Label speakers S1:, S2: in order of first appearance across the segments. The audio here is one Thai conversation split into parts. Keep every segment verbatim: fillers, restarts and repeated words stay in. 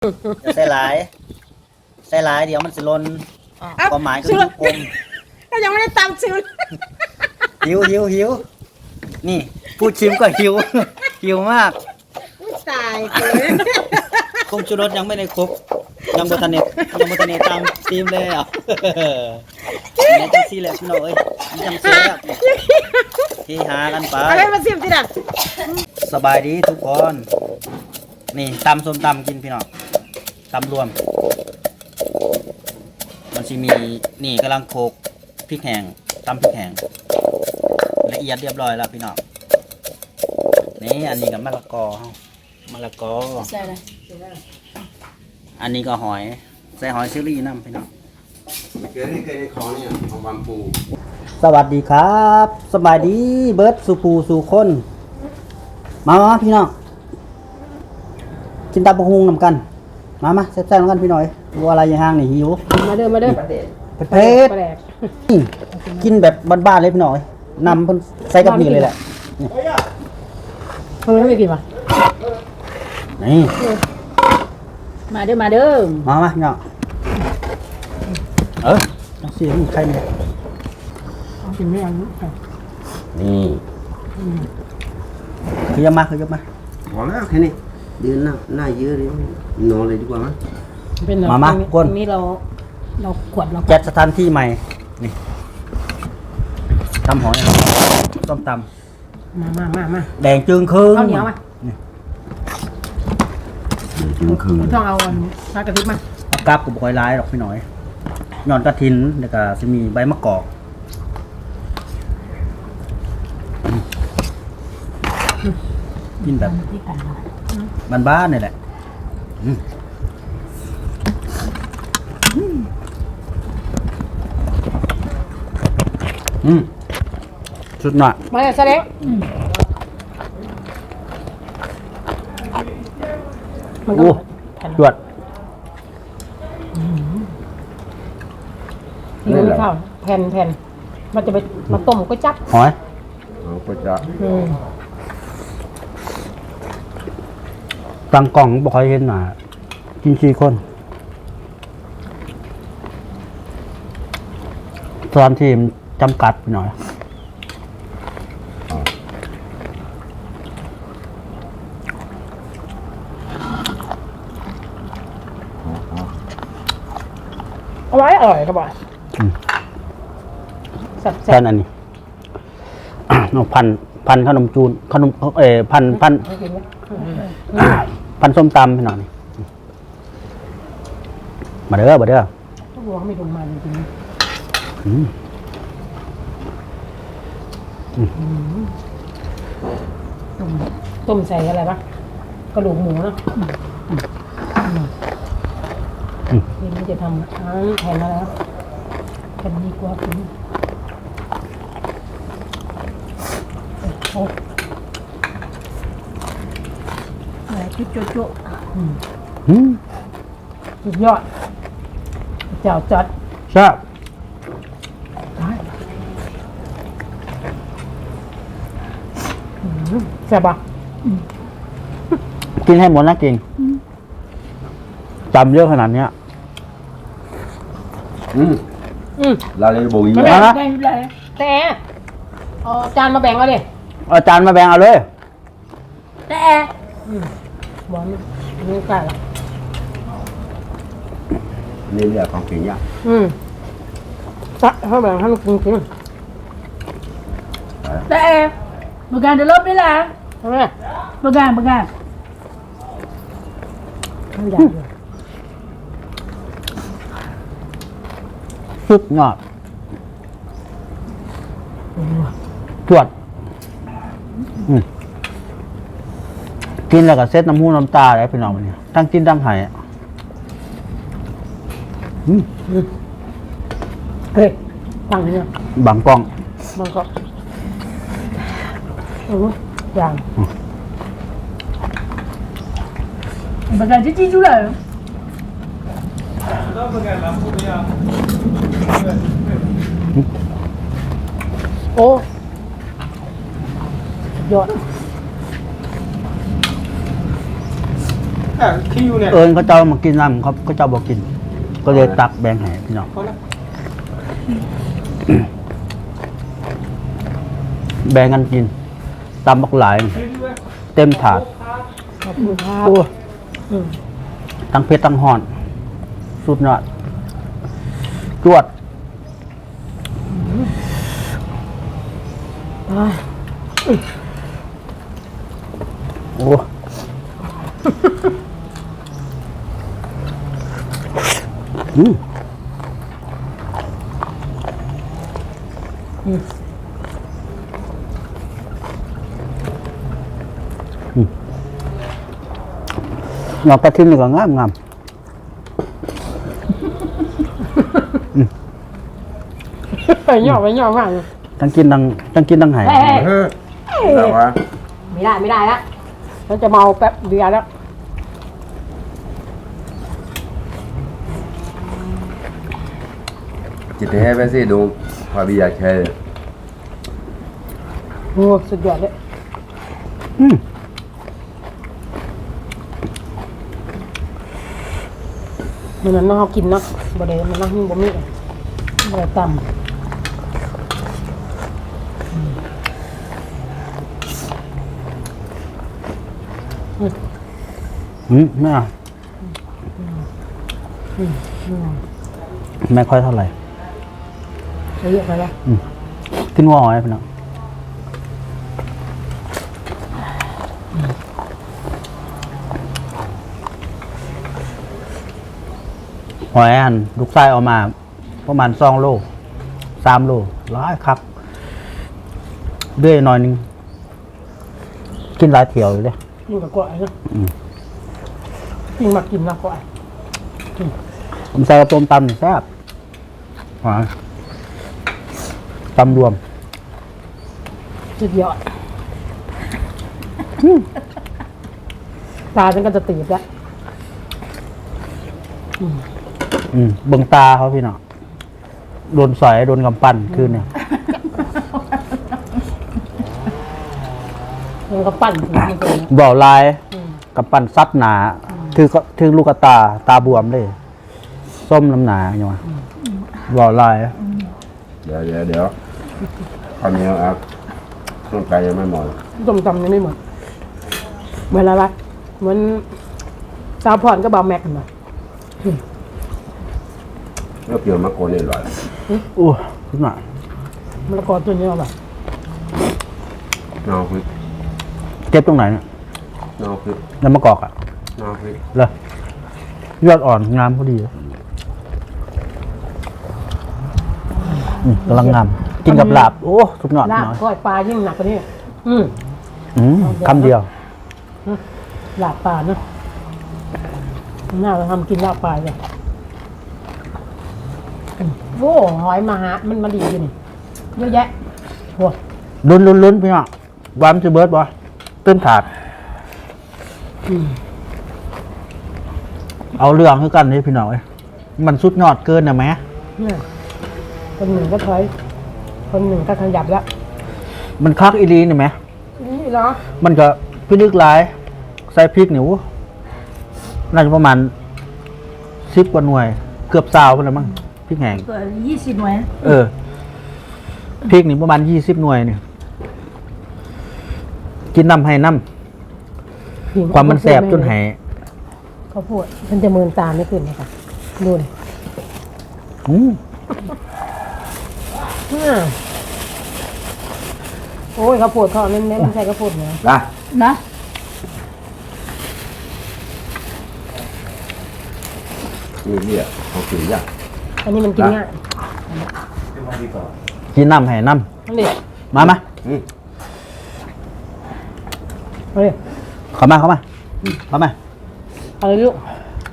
S1: จะใส่หลายใส่หลายเดี๋ยวมันจะลนความหมายคือลูกกลม
S2: ก็ยังไม่ได้ตามชื่อ
S1: หิวหิวหิวนี่พูดชิมก็หิวหิวมาก
S2: ตายเลย
S1: คงชูรสยังไม่ได้ครบยังบทันเนตยังบทันเนตตามทีมเลยอ่ะนี่จังซี่แหละพี่น้องเอ้ยนี่จังซี่แล้วที่หากันไป
S2: อะไรมาซิมที่นั่น
S1: สบายดีทุกคนนี่ตำส้มตำกินพี่น้องตำรวมมันจะมีนี่กำลังโขกพริกแห้งตำพริกแห้งละเอียดเรียบร้อยแล้วพี่น้องนี่อันนี้กับมะละกอมะละกอ
S2: ใส่อะไร
S1: อันนี้ก็หอยใส่หอยเชอรี่น้ำพี่น้อง
S3: เคยได้เคยได้ของเนี่ยของบางปู
S1: สวัสดีครับสบายดีเบิร์ดสุภูสุคนมามาพี่น้องกินตำบักหุ่งนำกันมามาแซ่บๆนำกันพี่หน่อยดูอะไรอย่างห้างนี่หิว
S2: มาเด้อมาเด้อ
S1: เผ็ดกินแบบบ้านๆเลยพี่หน่อยนำเพิ่นใส่กับนี่เลยแหละ
S2: ทำไมไม่กินวะ
S1: นี่
S2: มาเด้อมาเด้อ
S1: มามาพี่น้องเออเสียงใครเนี่ย
S2: กินไม่เอา
S1: นี่คือยังมาคือยังมา
S3: พอแล้วแค่นี้ยืนหน้าหน้าเยอะเลยนอนเลยดีกว่ามั้ย
S1: มามาก้น
S2: นี้เราเราขวดเรา
S1: จัดสถานที่ใหม่นี่ตำหอยต้มต
S2: ำมามามามา
S1: แดงจึงคืน
S2: ข้าวเหนียวมา
S3: จึงคืน
S2: ต้องเอาปลากระทิบมา
S1: เอากราบกับหอยลายหรอกพี่หน่อยหย่อนกระถินแล้วก็จะมีใบมะกอกกินแบบบ้านๆนี่แหละอืมชุดหน่อย
S2: มาเลยแสดง
S1: โอ้จวด
S2: นี่ไม่เข้าแผ่นแผ่นมันจะไปมาต้มก็จับ
S1: หอย
S3: เอาก็จะ
S1: ตั้งกล่องบอกให้เห็นหน่อยกินสี่คนตอนทีมจำกัดไปหน่อย
S2: เอาไว้อร่อยครับบอย
S1: แค่นั้นนี่น้องพันพันขนมจูนขนมเออพันพันพันส้มตำพี่หน่อยมาเด้อมาเด้อ
S2: ต้องบอกเขาไม่ลงมาจริงๆต้มใส่อะไรปะกระดูกหมูเนาะนี่มันจะทำทั้งแผ่นอะไรนะแผ่นดีกว่าคุณโอ้อะไรชุดโจ๊ะโจ๊ะสุดยอดเจ้าจัด
S1: ใช่
S2: แซ่บปะ
S1: กินให้หมดนะกินจำเยอะขนาดเนี้ย
S3: อืมอืมลาเลยโบย
S2: นะนะแต่เอาจานมาแบ่งเอาดิ
S1: เอาจานมาแบ่งเอาเลย
S2: แต่บอกไม่รู้กันละ
S3: นี่เรื่องของกินยาก
S2: อืมถ้าถ้าแบ่งให้มันกินกินแต่บางการจะลบได้ละทำไมบางการบางการไม่ได้เลย
S1: สุดยอดจวดกินแล้วก็เซ็ตน้ำหูน้ำตาเลยพี่น้องมันเนี่ยทั้งกินทั้งหาย
S2: เฮ้ยตั้งเนี่ย
S1: บังกล้อง
S2: บังกล้องโอ้ยอย่างบางการจะจี้จุ๊เลยโอ้ยอด
S4: แต่คิวเนี่ย
S1: เอิญเขาเจ้ามากินน้ำเขาเขาเจ้าบอกกิน ก็เลยตักแบ่งให้พี่น้อง
S4: พอแล้ว
S1: แบ่งกันกินตำบักหลาย เต็มถาด
S2: ขอบคุณครับ
S1: โอ้
S2: อืม
S1: ทั้งเพชรทั้งห่อน สุดยอดจวด
S2: อ่า
S1: โอ้อืม
S2: อืม
S1: งอกกระทินนี่ก็งามงาม
S2: ไปย่อไปย่อมากเลย
S1: ทั้งกินทั้งทั้งกินทั้งไหาย
S2: เฮ้ย
S3: เฮ้ยแต่ว่า
S2: ไม่ได้ไม่ได้แล้วฉันจะเมาแป๊บเดียวแล้ว
S3: จิตแท้ไปสิดูพาบิยาแค่
S2: โอ้สุดยอดเลย
S1: อืม
S2: มันนั้นน้องเขากินเนาะบ่ได้มันนั่งหิ้งบ่มีบ่ได้ต่ำ
S1: อืมไม่เอาไม่ค่อยเท่าไหร่
S2: ใช้เยอะไปแล้ว
S1: กินหัวหอยพี่น้องหอยอันลูกไส้เอามา ประมาณสองโลสามโลร้อยครับเด้วยหน่อยหนึง กินหลายเที่ยวอยู่เลย
S2: กินกับกล้วยนะกินมากินนะกล้วย
S1: ผมใส่กระต้มตำนี่แซ่บหอยตำรวม
S2: สุดยอดตาฉันก็จะตีบแล้ว
S1: อืมเบิ่งตาเขาพี่น้องโดนสอยโดนกำปั้นคืนเนี่ย
S2: มันก็ปั่นถึงมันเลย
S1: บ่าวลาย
S2: อืม
S1: กับปั้นซัดหนาถือก็ถือลูกกระตาตาบวมเลย ส้มน้ำหนาอย่างวะบ่าวลาย
S3: เดี๋ยวเดี๋ยวเดี๋ยวข้าวเหนียวครับร่างกายยังไม่หมด
S2: ต้มตำยังไม่หมดเวลาละเหมือนสาวพรก็บาวแม็กกันมา
S3: เมื่อเปลี่ยนมะโกนนี่อร่อย
S1: อู้ขึ้นมา
S2: มันละกอตัวนี้เอาแบบ
S3: นอกพริก
S1: เก็บตรงไหนเนี่ย
S3: นอกพริก
S1: น้ำมะกอกอ่ะ
S3: นอกพริก
S1: เลยยอดอ่อนงามพอดีเลยอืมกำลังงามกินกับลาบ โอ้สุดยอด
S2: ลาบ
S1: น้อย
S2: ก้อยปลายิ่งหนักกว่านี้อืม
S1: อืมคำเดียว
S2: ลาบปลาเนาะน่าจะทำกินลาบปลาเลยอืมโอ้หอยมาหามันมาดีอยู่นี่เยอะแยะโอ้
S1: ลุ้นลุ้นลุ้นพี่น้องวามจะเบิร์ดบ่เต้นถาด
S2: อืม
S1: เอาเรื่องให้กันนี่พี่น้องเอ้ยมันสุดยอดเกินนะแม่
S2: เนี่ยคนหนึ่งก็ถอยคนหนึ่งก็ขยับแล้ว
S1: มันคักอีรีนี่ไหม
S2: นี่เหรอ
S1: มันก็พิลึกหลาย ใส่พริกหนิวน่าจะประมาณสิบกว่าหน่วย เกือบซาวไปแล้วมั้งพริกแห้ง
S5: ยี่สิบหน่วย
S1: เออพริกนี่ประมาณยี่สิบหน่วยเนี่ยกินน้ำให้น้ำความมันแสบจนแห
S2: เขาพูดมันจะเมินตาไม่ขึ้นนะคะดูเลย
S1: อืม
S2: อืมโอ้ยเขาวโพดเขาเน้นๆไม่ใช่เขาวโพดเนื้อ
S3: นะ
S5: นะ
S3: นี่เรียกเขากินยาก
S2: อันนี้มันกินง่าย
S1: กินน้ำให้น้
S2: นั่นดิ
S1: ำมามา
S3: อืม
S2: เอาเลย
S1: เข้ามาเข้ามาเข้ามา
S2: เอาเลยลูก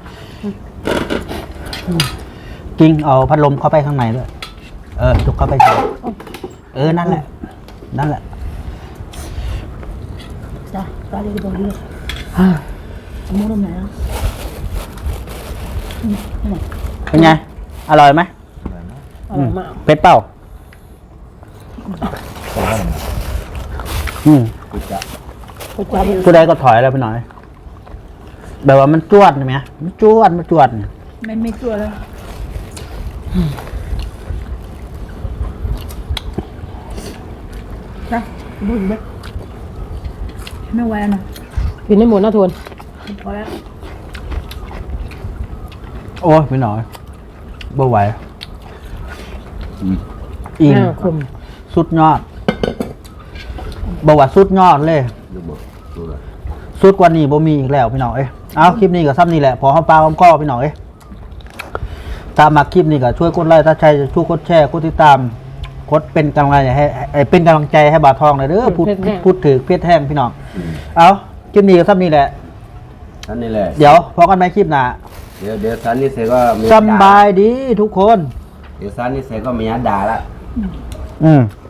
S1: กิ้งเอาพัดลมเข้าไปข้างในด้วยเออจุกเข้าไปสิเออนั่นแหละ นั่นแหละ
S5: จ้ะตาดีดีตรงนี้สมมติว่าไหนอ่ะอืมนี่ไหน
S1: เป็นไง อร่อยไหม
S2: อร่อยมาก
S1: เป็ดเป้าอืม
S3: กูจะ
S2: ก๋วยจั๊บ
S1: ผู้ใดก็ถอยแล้วไปหน่อยแบบว่ามันจวดใช่ไหมมันจวดมันจวด
S5: ไม่ไม่ตัวแล้วจ้ะบุญเบ็ดไม่ไหวนะ
S2: กินได้หมดนะทวน
S5: พอแล้ว
S1: โอ้ยไม่หน่อยบ่ไหว
S3: อืม
S1: อิง
S2: อ่าคม
S1: สุดยอดบ่ว่าสุดยอดเลย
S3: ดูบ่ดูเลย
S1: สุดกว่านี้บ่มีอีกแล้วพี่น้องเอ้ยเอาคลิปนี้ก็ซ้ำนี่แหละพอหอมปลาหอมคอพี่น้องเอ้ยตามมาคลิปนี้ก็ช่วยกดไลค์ถ้าใช่ช่วยกดแชร์กดติดตามกดเป็นกำลังใจให้ให้เป็นกำลังใจให้บาทองหน่อยเด้อพูดพูดถึงเพชรแห้งพี่น้องเอาคลิปนี้ก็ซ้ำนี่แหละ
S3: ท่านนี่แหละ
S1: เดี๋ยวพอกันไหมคลิปหน้า
S3: เดี๋ยวเดี๋ยวท่านนี่เสร็จก็มี
S1: สำบายดีทุกคน
S3: เดี๋ยวท่านนี่เสร็จก็มีอัดด่าละ
S1: อืม